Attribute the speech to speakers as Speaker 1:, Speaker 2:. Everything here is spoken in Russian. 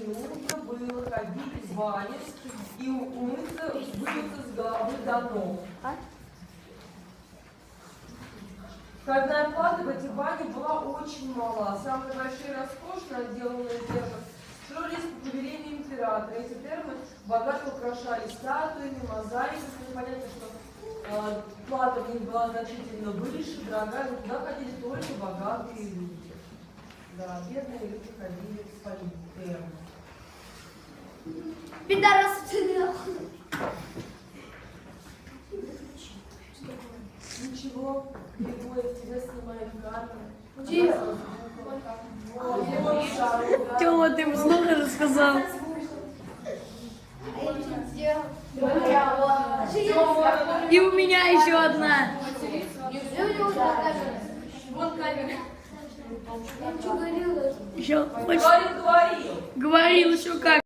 Speaker 1: нужно было ходить в баню и умыться, вымыться с головы до ног. Входная плата в эти бани была очень мала. Самые большие роскошно отделанные термы строились по повелению императора. Эти термы богато украшали статуями, мозаиками. Понятно, что плата в них была значительно выше, дорогая, но туда ходили только богатые люди. Да, бедные люди ходили в свои термы.
Speaker 2: Пидорас ценил.
Speaker 1: Ничего, Григорий, тебя снимает камера.
Speaker 3: Тёма, ты много рассказал. И у меня еще одна.
Speaker 2: Вон камера. Я что говорила?
Speaker 3: Еще
Speaker 1: Говорил.
Speaker 3: говорил еще как.